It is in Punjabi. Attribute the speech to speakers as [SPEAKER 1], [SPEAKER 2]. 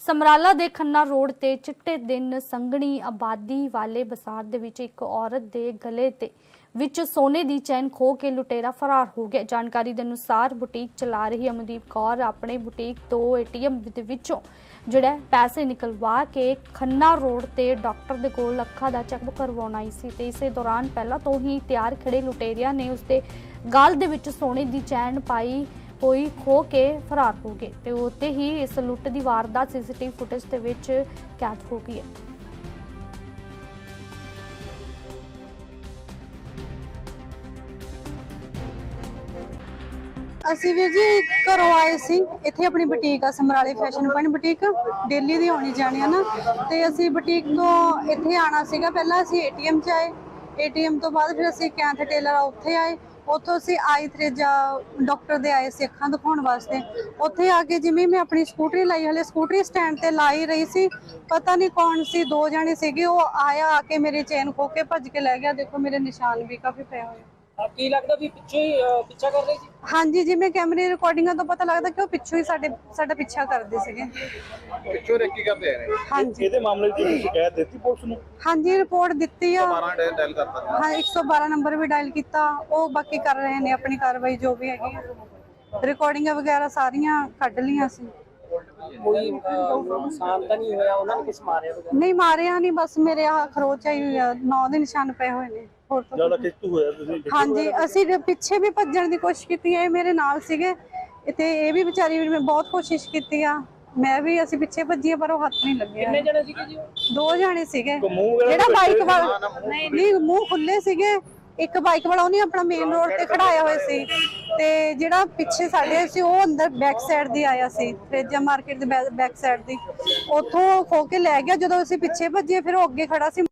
[SPEAKER 1] ਸਮਰਾਲਾ ਦੇ ਖੰਨਾ ਰੋਡ ਤੇ ਚਿੱਟੇ ਦਿਨ ਸੰਘਣੀ ਆਬਾਦੀ ਵਾਲੇ ਬਾਜ਼ਾਰ ਦੇ ਵਿੱਚ ਇੱਕ ਔਰਤ ਦੇ ਗਲੇ ਤੇ ਵਿੱਚ ਸੋਨੇ ਦੀ ਚੈਨ ਖੋ ਕੇ ਲੁਟੇਰਾ ਫਰਾਰ ਹੋ ਗਿਆ। ਜਾਣਕਾਰੀ ਦੇ ਅਨੁਸਾਰ ਬੁਟੀਕ ਚਲਾ ਰਹੀ ਅਮਨਦੀਪ ਕੌਰ ਆਪਣੇ ਬੁਟੀਕ ਤੋਂ ਏਟੀਐਮ ਦੇ ਵਿੱਚੋਂ ਪੈਸੇ ਨਿਕਲਵਾ ਕੇ ਖੰਨਾ ਰੋਡ ਤੇ ਡਾਕਟਰ ਦੇ ਕੋਲ ਅੱਖਾਂ ਦਾ ਚੈੱਕਅਪ ਕਰਵਾਉਣ ਆਈ ਸੀ ਤੇ ਇਸੇ ਦੌਰਾਨ ਪਹਿਲਾਂ ਤੋਂ ਹੀ ਤਿਆਰ ਖੜੇ ਲੁਟੇਰਿਆਂ ਨੇ ਉਸਦੇ ਗਲ ਦੇ ਵਿੱਚ ਸੋਨੇ ਦੀ ਚੈਨ ਪਾਈ ਹੋਈ ਖੋ ਕੇ ਫਰਾਰ ਹੋ ਗਏ ਤੇ ਉੱਤੇ ਹੀ ਇਸ ਲੁੱਟ ਦੀ ਵਾਰਦਾਤ ਸੀਸੀਟੀਵੀ ਫੁਟੇਜ ਦੇ ਵਿੱਚ ਕੈਦ ਹੋ ਗਈ ਹੈ।
[SPEAKER 2] ਅਸੀਂ ਵੀਰ ਜੀ ਘਰੋਂ ਆਏ ਸੀ। ਇੱਥੇ ਆਪਣੀ ਬੁਟੀਕ ਆ ਸਮਰਾਲੇ ਫੈਸ਼ਨ ਪੁਆਇੰਟ ਬੁਟੀਕ, ਦਿੱਲੀ ਦੀ ਆਉਣੀ ਜਾਣੀ ਆ ਨਾ। ਤੇ ਅਸੀਂ ਬੁਟੀਕ ਤੋਂ ਇੱਥੇ ਆਣਾ ਸੀਗਾ। ਪਹਿਲਾਂ ਅਸੀਂ ਏਟੀਐਮ 'ਚ ਆਏ, ਏਟੀਐਮ ਤੋਂ ਬਾਅਦ ਫਿਰ ਅਸੀਂ ਕੈਂਥ ਟੇਲਰ ਉੱਥੇ ਆਏ। ਉੱਥੋਂ ਅਸੀਂ ਆਈ ਥਰੇਜਾ ਡਾਕਟਰ ਦੇ ਆਏ ਸੀ ਅੱਖਾਂ ਦਿਖਾਉਣ ਵਾਸਤੇ। ਉੱਥੇ ਆ ਕੇ ਜਿਵੇਂ ਮੈਂ ਆਪਣੀ ਸਕੂਟਰੀ ਲਾਈ, ਹਲੇ ਸਕੂਟਰੀ ਸਟੈਂਡ ਤੇ ਲਾਈ ਰਹੀ ਸੀ, ਪਤਾ ਨਹੀਂ ਕੌਣ ਸੀ, ਦੋ ਜਾਣੇ ਸੀਗੇ। ਉਹ ਆਇਆ, ਆ ਕੇ ਮੇਰੇ ਚੇਨ ਖੋ ਕੇ ਭੱਜ ਕੇ ਲੈ ਗਿਆ। ਦੇਖੋ ਮੇਰੇ ਨਿਸ਼ਾਨ ਵੀ ਕਾਫੀ ਪਏ ਹੋਏ।
[SPEAKER 3] ਕੀ ਲੱਗਦਾ ਵੀ ਪਿੱਛੇ ਹੀ ਪਿੱਛਾ ਕਰ ਰਹੀ ਸੀ?
[SPEAKER 2] ਹਾਂਜੀ, ਜਿਵੇਂ ਕੈਮਰੇ ਰਿਕਾਰਡਿੰਗਾਂ ਤੋਂ ਪਤਾ ਲੱਗਦਾ ਕਿ ਉਹ ਪਿੱਛੋਂ ਹੀ ਸਾਡਾ ਪਿੱਛਾ ਕਰਦੇ ਸੀਗੇ।
[SPEAKER 4] ਪਿੱਛੋਂ ਰੇਕੀ ਕਰਦੇ ਆ ਰਹੇ।
[SPEAKER 2] ਹਾਂਜੀ,
[SPEAKER 4] ਇਹਦੇ ਮਾਮਲੇ ਦੀ ਸ਼ਿਕਾਇਤ ਦਿੱਤੀ ਪੁਲਿਸ ਨੂੰ?
[SPEAKER 2] ਹਾਂਜੀ, ਰਿਪੋਰਟ ਦਿੱਤੀ ਆ।
[SPEAKER 4] 12 ਡਾਇਲ ਕਰਤਾ।
[SPEAKER 2] ਹਾਂ, 112 ਨੰਬਰ ਵੀ ਡਾਇਲ ਕੀਤਾ। ਉਹ ਬਾਕੀ ਕਰ ਰਹੇ ਨੇ ਆਪਣੀ ਕਾਰਵਾਈ ਜੋ ਵੀ ਹੈਗੀ ਆ। ਰਿਕਾਰਡਿੰਗਾਂ ਵਗੈਰਾ ਸਾਰੀਆਂ ਕੱਢ ਲਈਆਂ ਸੀ।
[SPEAKER 3] ਕੋਈ ਨੁਕਸਾਨ ਤਾਂ ਨਹੀਂ ਹੋਇਆ? ਉਹਨਾਂ ਨੇ ਕਿਸ ਮਾਰਿਆ ਵਗੈਰਾ?
[SPEAKER 2] ਨਹੀਂ ਮਾਰਿਆ ਨਹੀਂ, ਬਸ ਮੇਰੇ ਆ ਖਰੋਚ ਆਈ ਹੋਈ ਆ, 9 ਦੇ ਨਿਸ਼ਾਨ ਪਏ ਹੋਏ ਨੇ। ਹੋਰ ਤਾਂ
[SPEAKER 4] ਜਿਆਦਾ ਕਿਸ਼ਤ ਹੋਇਆ ਤੁਸੀਂ?
[SPEAKER 2] ਹਾਂਜੀ, ਅਸੀਂ ਪਿੱਛੇ ਵੀ ਭੱਜਣ ਦੀ ਕੋਸ਼ਿਸ਼ ਕੀਤੀ ਹੈ। ਇਹ ਮੇਰੇ ਨਾਲ ਸੀਗੇ ਤੇ ਇਹ ਵੀ ਵਿਚਾਰੀ ਵੀ, ਮੈਂ ਬਹੁਤ ਕੋਸ਼ਿਸ਼ ਕੀਤੀ ਆ, ਮੈਂ ਵੀ, ਅਸੀਂ ਪਿੱਛੇ ਭੱਜੀਏ ਪਰ ਉਹ ਹੱਥ ਨਹੀਂ ਲੱਗਿਆ।
[SPEAKER 3] ਕਿੰਨੇ ਜਣੇ ਸੀਗੇ ਜੀ?
[SPEAKER 2] ਦੋ ਜਾਣੇ ਸੀਗੇ।
[SPEAKER 4] ਮੂੰਹ
[SPEAKER 2] ਜਿਹੜਾ ਬਾਈਕ ਵਾਲਾ, ਨਹੀਂ ਮੂੰਹ ਖੁੱਲੇ ਸੀਗੇ। ਇੱਕ ਬਾਈਕ ਵਾਲਾ ਉਹਨੇ ਆਪਣਾ ਮੇਨ ਰੋਡ ਤੇ ਖੜਾਇਆ ਹੋਇਆ ਸੀ ਤੇ ਜਿਹੜਾ ਪਿੱਛੇ ਸਾਡੇ ਸੀ ਉਹ ਅੰਦਰ ਬੈਕ ਸਾਈਡ ਦੀ ਆਇਆ ਸੀ, ਥਰੇਜਾ ਮਾਰਕੀਟ ਦੇ ਬੈਕ ਸਾਈਡ ਦੀ। ਉੱਥੋਂ ਖੋ ਕੇ ਲੈ ਗਿਆ। ਜਦੋਂ ਅਸੀਂ ਪਿੱਛੇ ਭੱਜੇ ਫਿਰ ਉਹ ਅੱਗੇ ਖੜਾ ਸੀ।